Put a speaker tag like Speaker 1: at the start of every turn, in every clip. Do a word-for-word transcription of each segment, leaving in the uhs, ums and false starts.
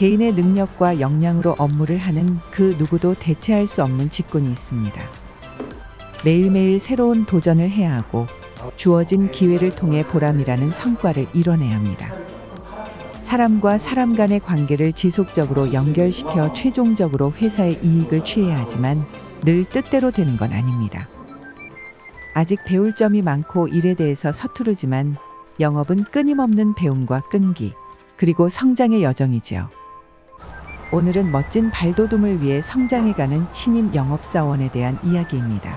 Speaker 1: 개인의 능력과 역량으로 업무를 하는 그 누구도 대체할 수 없는 직군이 있습니다. 매일매일 새로운 도전을 해야 하고 주어진 기회를 통해 보람이라는 성과를 이뤄내야 합니다. 사람과 사람 간의 관계를 지속적으로 연결시켜 최종적으로 회사의 이익을 취해야 하지만 늘 뜻대로 되는 건 아닙니다. 아직 배울 점이 많고 일에 대해서 서투르지만 영업은 끊임없는 배움과 끈기, 그리고 성장의 여정이지요. 오늘은 멋진 발돋움을 위해 성장해가는 신입 영업사원에 대한 이야기입니다.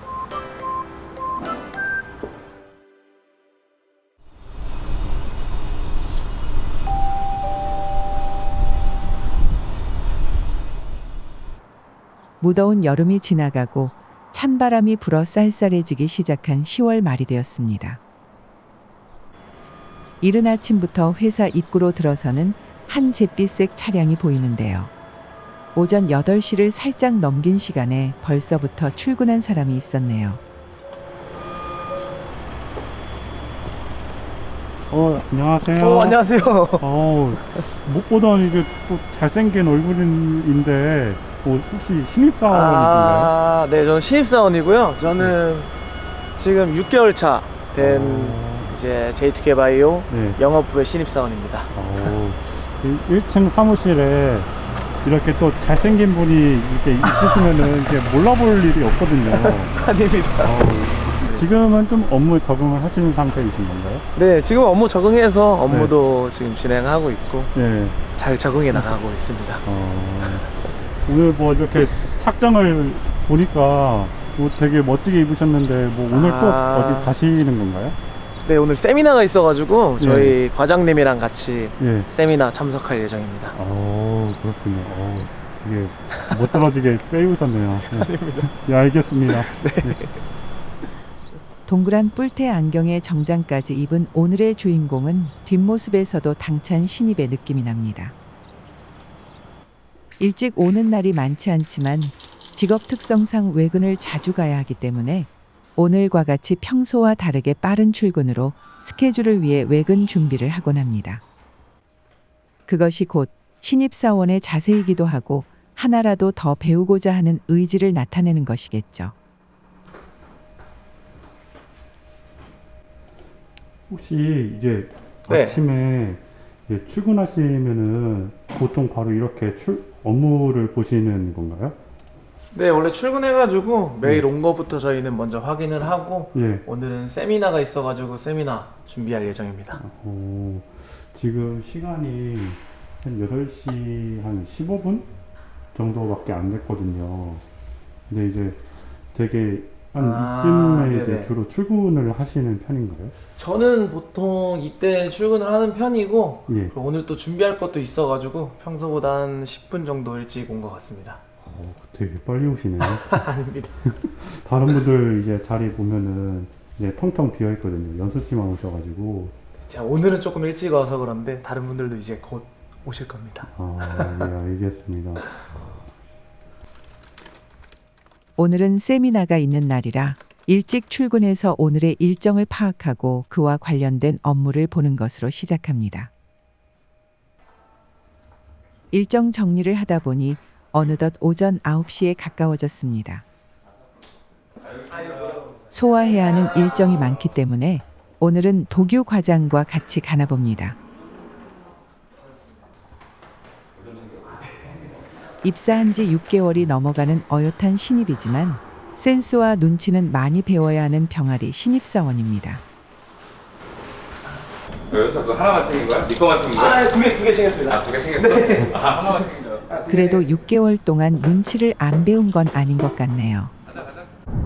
Speaker 1: 무더운 여름이 지나가고 찬바람이 불어 쌀쌀해지기 시작한 시월 말이 되었습니다. 이른 아침부터 회사 입구로 들어서는 한 잿빛색 차량이 보이는데요. 오전 여덟 시를 살짝 넘긴 시간에 벌써부터 출근한 사람이 있었네요.
Speaker 2: 어, 안녕하세요.
Speaker 3: 어, 안녕하세요.
Speaker 2: 어, 못 보던 이게 또 잘생긴 얼굴인데, 뭐 혹시 신입사원이신가요?
Speaker 3: 아, 네, 저는 신입사원이고요. 저는 네. 지금 육 개월 차 된
Speaker 2: 어...
Speaker 3: 이제 제이투케이바이오
Speaker 2: 네.
Speaker 3: 영업부의 신입사원입니다.
Speaker 2: 어, 일 층 사무실에 이렇게 또 잘생긴 분이 이렇게 있으시면은 이게 몰라볼 일이 없거든요.
Speaker 3: 아닙니다.
Speaker 2: 어, 지금은 좀 업무 적응을 하시는 상태이신 건가요?
Speaker 3: 네, 지금 업무 적응해서 업무도 네. 지금 진행하고 있고 네. 잘 적응해 나가고 있습니다.
Speaker 2: 어, 오늘 뭐 이렇게 착장을 보니까 뭐 되게 멋지게 입으셨는데 뭐 오늘 아... 또 어디 가시는 건가요?
Speaker 3: 네, 오늘 세미나가 있어가지고 저희 예. 과장님이랑 같이 예. 세미나 참석할 예정입니다.
Speaker 2: 어, 그렇군요. 어, 되게 멋들어지게 빼입으셨네요.
Speaker 3: 아닙니다.
Speaker 2: 예, 알겠습니다.
Speaker 3: 네.
Speaker 2: 네.
Speaker 1: 동그란 뿔테 안경에 정장까지 입은 오늘의 주인공은 뒷모습에서도 당찬 신입의 느낌이 납니다. 일찍 오는 날이 많지 않지만 직업 특성상 외근을 자주 가야 하기 때문에 오늘과 같이 평소와 다르게 빠른 출근으로 스케줄을 위해 외근 준비를 하곤 합니다. 그것이 곧 신입사원의 자세이기도 하고 하나라도 더 배우고자 하는 의지를 나타내는 것이겠죠.
Speaker 2: 혹시 이제
Speaker 3: 네.
Speaker 2: 아침에 이제 출근하시면은 보통 바로 이렇게 출, 업무를 보시는 건가요?
Speaker 3: 네, 원래 출근해가지고 매일 온 거부터 저희는 먼저 확인을 하고 예. 오늘은 세미나가 있어가지고 세미나 준비할 예정입니다.
Speaker 2: 어, 지금 시간이 한 여덟 시 한 십오 분 정도밖에 안 됐거든요. 근데 이제 되게 한 아, 이쯤에 이제 주로 출근을 하시는 편인가요?
Speaker 3: 저는 보통 이때 출근을 하는 편이고
Speaker 2: 예.
Speaker 3: 오늘 또 준비할 것도 있어가지고 평소보다 한 십 분 정도 일찍 온 것 같습니다.
Speaker 2: 어, 되게 빨리 오시네요.
Speaker 3: 아닙니다.
Speaker 2: 다른 분들 이제 자리 보면은 이제 텅텅 비어 있거든요. 연수 씨만 오셔가지고.
Speaker 3: 자, 오늘은 조금 일찍 와서 그런데 다른 분들도 이제 곧 오실 겁니다.
Speaker 2: 아, 네, 알겠습니다.
Speaker 1: 오늘은 세미나가 있는 날이라 일찍 출근해서 오늘의 일정을 파악하고 그와 관련된 업무를 보는 것으로 시작합니다. 일정 정리를 하다 보니 어느덧 오전 아홉 시에 가까워졌습니다. 소화해야 하는 일정이 많기 때문에 오늘은 도규 과장과 같이 가나 봅니다. 입사한 지 육 개월이 넘어가는 어엿한 신입이지만 센스와 눈치는 많이 배워야 하는 병아리 신입사원입니다.
Speaker 4: 여기서 그거 하나만 챙긴 거야? 네 거만 챙긴 거야?
Speaker 3: 아, 두 개, 두 개 챙겼습니다.
Speaker 4: 아, 두 개 챙겼어?
Speaker 3: 네.
Speaker 4: 아, 하나만 챙긴 거야?
Speaker 1: 그래도 육 개월 동안 눈치를 안 배운 건 아닌 것 같네요.
Speaker 4: 가자, 가자.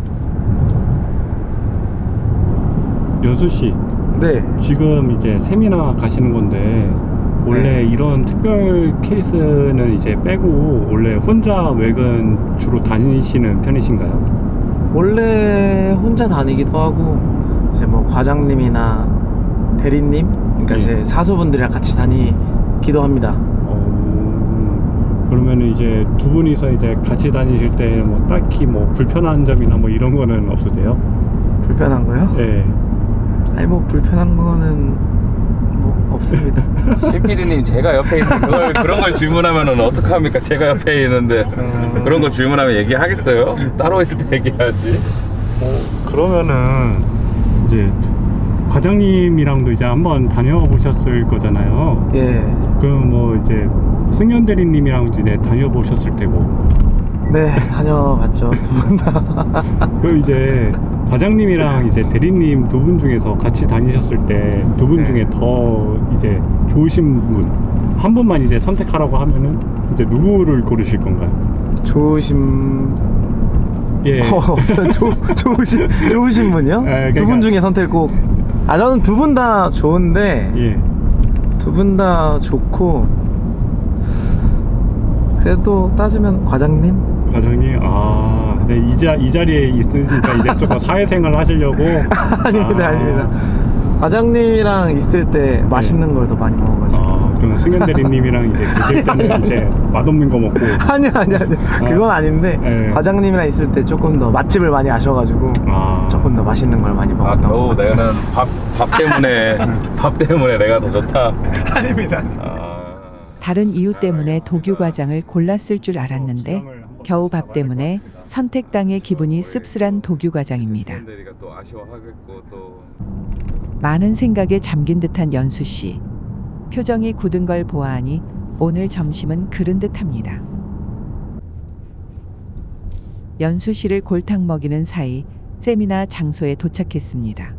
Speaker 2: 연수 씨.
Speaker 3: 네.
Speaker 2: 지금 이제 세미나 가시는 건데 원래 네. 이런 특별 케이스는 이제 빼고 원래 혼자 외근 주로 다니시는 편이신가요?
Speaker 3: 원래 혼자 다니기도 하고 이제 뭐 과장님이나 대리님, 그러니까 네. 이제 사수분들이랑 같이 다니기도 합니다.
Speaker 2: 어, 그러면 이제 두 분이서 이제 같이 다니실 때 뭐 딱히 뭐 불편한 점이나 뭐 이런 거는 없으세요?
Speaker 3: 불편한 거요?
Speaker 2: 네.
Speaker 3: 아니 뭐 불편한 거는 뭐 없습니다.
Speaker 4: 씨피디님 제가 옆에 있는데 그걸 그런 걸 질문하면은 어떡합니까? 제가 옆에 있는데
Speaker 3: 음.
Speaker 4: 그런 거 질문하면 얘기하겠어요? 따로 있을 때 얘기하지.
Speaker 2: 어, 그러면은 이제 과장님이랑도 이제 한번 다녀보셨을 거잖아요.
Speaker 3: 예.
Speaker 2: 그럼 뭐 이제 승현 대리님이랑 이제 다녀보셨을 테고.
Speaker 3: 네, 다녀봤죠. 두 분 다.
Speaker 2: 그 이제 과장님이랑 이제 대리님 두 분 중에서 같이 다니셨을 때 두 분
Speaker 3: 네.
Speaker 2: 중에 더 이제 좋으신 분 한 분만 이제 선택하라고 하면은 이제 누구를 고르실 건가요?
Speaker 3: 좋으신
Speaker 2: 예.
Speaker 3: 어, 조, 좋으신 좋으신 분이요?
Speaker 2: 예,
Speaker 3: 두 분
Speaker 2: 그러니까-
Speaker 3: 중에 선택 꼭. 아 저는 두 분 다 좋은데
Speaker 2: 예.
Speaker 3: 두 분 다 좋고 그래도 따지면 과장님?
Speaker 2: 과장님, 아, 네, 이, 자, 이 자리에 있으니까 이제 조금 사회생활 하시려고.
Speaker 3: 아닙니다,
Speaker 2: 아,
Speaker 3: 아닙니다. 과장님이랑 있을 때 맛있는 걸 더 많이 먹어가지고.
Speaker 2: 아, 그럼 승현 대리님이랑 이제 계실 때는 이제 맛없는 거 먹고.
Speaker 3: 아니요, 아니요, 아니요. 그건 아닌데
Speaker 2: 예.
Speaker 3: 과장님이랑 있을 때 조금 더 맛집을 많이 아셔가지고
Speaker 2: 아,
Speaker 3: 조금 더 맛있는 걸 많이
Speaker 4: 아
Speaker 3: 먹었던 것
Speaker 4: 겨우
Speaker 3: 같습니다.
Speaker 4: 내가는 밥, 밥 때문에 밥 때문에 내가 더 좋다.
Speaker 3: 아닙니다.
Speaker 4: 아,
Speaker 1: 다른 이유 때문에 도규 과장을 골랐을 줄 알았는데 겨우 밥 때문에 선택당의 기분이 씁쓸한 도규 과장입니다.
Speaker 4: 대리가 또 아쉬워하겠고 또
Speaker 1: 많은 생각에 잠긴 듯한 연수 씨. 표정이 굳은 걸 보아하니 오늘 점심은 그른 듯합니다. 연수 씨를 골탕 먹이는 사이 세미나 장소에 도착했습니다.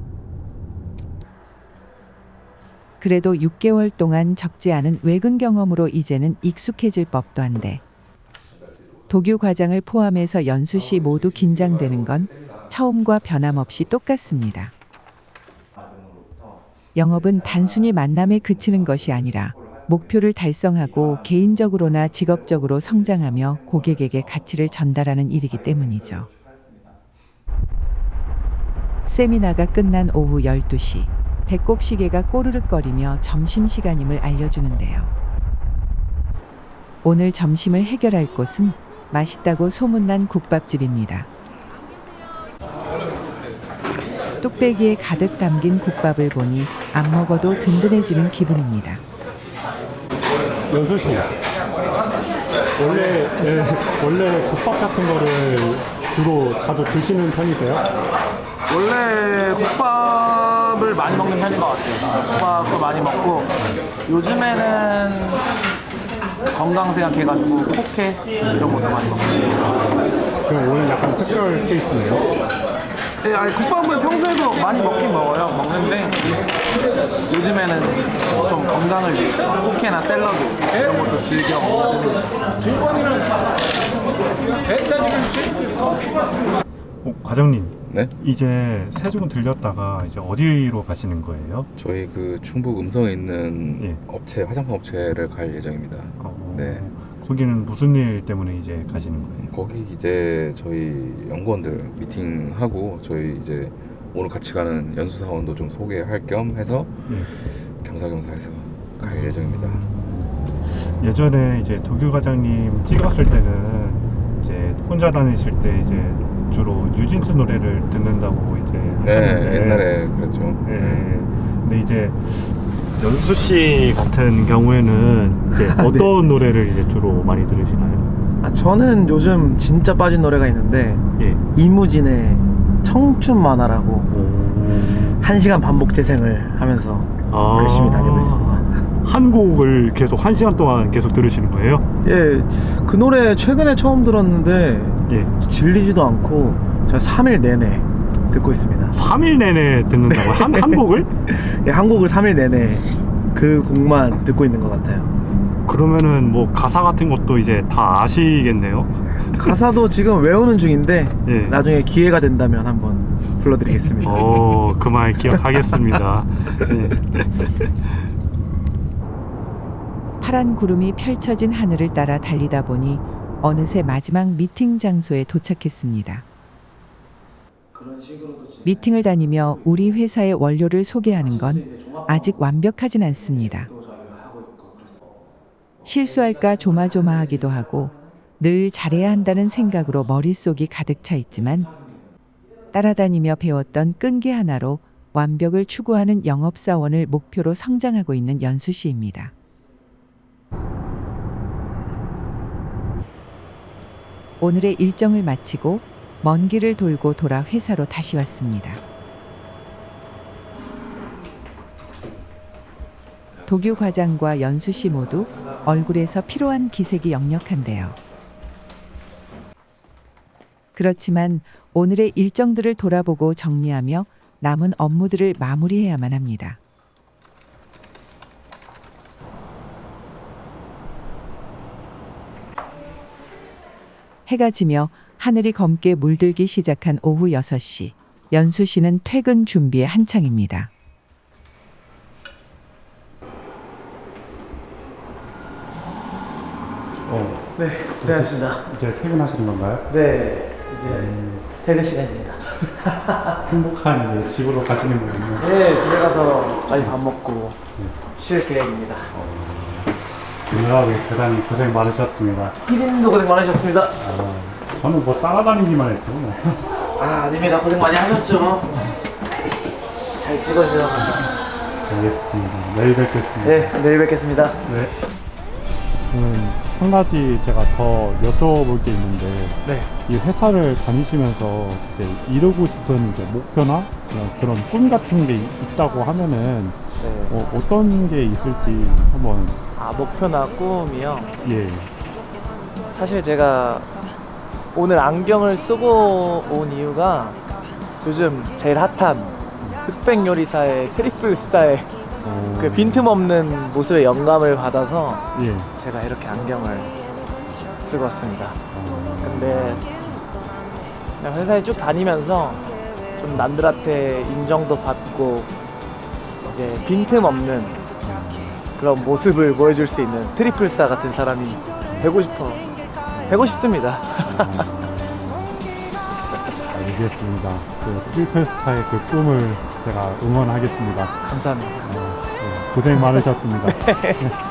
Speaker 1: 그래도 육 개월 동안 적지 않은 외근 경험으로 이제는 익숙해질 법도 한데 도규 과장을 포함해서 연수 씨 모두 긴장되는 건 처음과 변함없이 똑같습니다. 영업은 단순히 만남에 그치는 것이 아니라 목표를 달성하고 개인적으로나 직업적으로 성장하며 고객에게 가치를 전달하는 일이기 때문이죠. 세미나가 끝난 오후 열두 시, 배꼽 시계가 꼬르륵거리며 점심시간임을 알려주는데요. 오늘 점심을 해결할 곳은 맛있다고 소문난 국밥집입니다. 뚝배기에 가득 담긴 국밥을 보니 안 먹어도 든든해지는 기분입니다.
Speaker 2: 연수 씨. 원래, 예, 원래 국밥 같은 거를 주로 자주 드시는 편이세요?
Speaker 3: 원래 국밥을 많이 먹는 편인 것 같아요. 국밥도 많이 먹고 요즘에는 건강 생각해가지고 포케 이런 것도 많이 먹고.
Speaker 2: 그럼 오늘 약간 특별 케이스네요.
Speaker 3: 네, 아니 국밥을 평소에도 많이 먹긴 먹어요. 먹는데 요즘에는 좀 건강을 위해서 포케나 샐러드 이런 것도 즐겨 먹는.
Speaker 2: 어, 과장님.
Speaker 4: 네?
Speaker 2: 이제 세종 들렸다가 이제 어디로 가시는 거예요?
Speaker 4: 저희 그 충북 음성에 있는
Speaker 2: 예.
Speaker 4: 업체 화장품 업체를 갈 예정입니다.
Speaker 2: 어,
Speaker 4: 네.
Speaker 2: 거기는 무슨 일 때문에 이제 가시는 거예요?
Speaker 4: 거기 이제 저희 연구원들 미팅하고 저희 이제 오늘 같이 가는 연수 사원도 좀 소개할 겸 해서
Speaker 2: 예.
Speaker 4: 겸사겸사해서 갈 예정입니다.
Speaker 2: 예전에 이제 도규 과장님 찍었을 때는 이제 혼자 다니실 때 이제 주로 뉴진스 노래를 듣는다고 이제
Speaker 4: 네,
Speaker 2: 하셨는데
Speaker 4: 옛날에 그랬죠.
Speaker 2: 예. 근데 이제 연수 씨 같은 경우에는 이제 어떤 노래를 이제 주로 많이 들으시나요?
Speaker 3: 아, 저는 요즘 진짜 빠진 노래가 있는데
Speaker 2: 예.
Speaker 3: 이무진의 청춘 만화라고
Speaker 2: 오.
Speaker 3: 한 시간 반복 재생을 하면서
Speaker 2: 아.
Speaker 3: 열심히 다니고 있습니다.
Speaker 2: 한 곡을 계속 한 시간 동안 계속 들으시는 거예요?
Speaker 3: 예, 그 노래 최근에 처음 들었는데
Speaker 2: 예.
Speaker 3: 질리지도 않고 제가 삼 일 내내 듣고 있습니다.
Speaker 2: 삼 일 내내 듣는다고 한, 한 곡을?
Speaker 3: 예, 한 곡을 삼 일 내내 그 곡만 듣고 있는 것 같아요.
Speaker 2: 그러면은 뭐 가사 같은 것도 이제 다 아시겠네요?
Speaker 3: 가사도 지금 외우는 중인데
Speaker 2: 예.
Speaker 3: 나중에 기회가 된다면 한번 불러드리겠습니다.
Speaker 2: 어, 그 말 기억하겠습니다. 예.
Speaker 1: 파란 구름이 펼쳐진 하늘을 따라 달리다 보니 어느새 마지막 미팅 장소에 도착했습니다. 미팅을 다니며 우리 회사의 원료를 소개하는 건 아직 완벽하진 않습니다. 실수할까 조마조마하기도 하고 늘 잘해야 한다는 생각으로 머릿속이 가득 차 있지만 따라다니며 배웠던 끈기 하나로 완벽을 추구하는 영업사원을 목표로 성장하고 있는 연수 씨입니다. 오늘의 일정을 마치고 먼 길을 돌고 돌아 회사로 다시 왔습니다. 도규 과장과 연수 씨 모두 얼굴에서 피로한 기색이 역력한데요. 그렇지만 오늘의 일정들을 돌아보고 정리하며 남은 업무들을 마무리해야만 합니다. 해가 지며 하늘이 검게 물들기 시작한 오후 여섯 시. 연수 씨는 퇴근 준비에 한창입니다.
Speaker 2: 어,
Speaker 3: 네, 고생하셨습니다.
Speaker 2: 이제 퇴근하시는 건가요?
Speaker 3: 네, 이제
Speaker 2: 음,
Speaker 3: 퇴근 시간입니다.
Speaker 2: 행복한 이제 집으로 가시는 거군요.
Speaker 3: 네, 집에 가서 빨리 밥 먹고
Speaker 2: 네.
Speaker 3: 쉴 계획입니다.
Speaker 2: 오늘하루 대단히 고생 많으셨습니다.
Speaker 3: 피디님도 고생 많으셨습니다.
Speaker 2: 어, 저는 뭐 따라다니기만 했죠.
Speaker 3: 아, 아닙니다. 고생 많이 하셨죠. 잘 찍어주셔서.
Speaker 2: 알겠습니다. 내일 뵙겠습니다.
Speaker 3: 네, 내일 뵙겠습니다.
Speaker 2: 네. 음, 한 가지 제가 더 여쭤볼 게 있는데,
Speaker 3: 네.
Speaker 2: 이 회사를 다니시면서 이제 이루고 싶은 이제 목표나 그런, 그런 꿈 같은 게 있- 있다고 하면은
Speaker 3: 네.
Speaker 2: 어, 어떤 게 있을지 한번.
Speaker 3: 아, 목표나 꿈이요?
Speaker 2: 예.
Speaker 3: 사실 제가 오늘 안경을 쓰고 온 이유가 요즘 제일 핫한 흑백 요리사의 트리플 스타의
Speaker 2: 어,
Speaker 3: 그 빈틈없는 모습에 영감을 받아서
Speaker 2: 예.
Speaker 3: 제가 이렇게 안경을 쓰고 왔습니다.
Speaker 2: 어,
Speaker 3: 근데 그냥 회사에 쭉 다니면서 좀 남들한테 인정도 받고 이제 빈틈없는 그런 모습을 보여줄 수 있는 트리플스타 같은 사람이 되고 싶어 되고 싶습니다.
Speaker 2: 알겠습니다. 그 트리플스타의 그 꿈을 제가 응원하겠습니다.
Speaker 3: 감사합니다.
Speaker 2: 어, 네. 고생 많으셨습니다.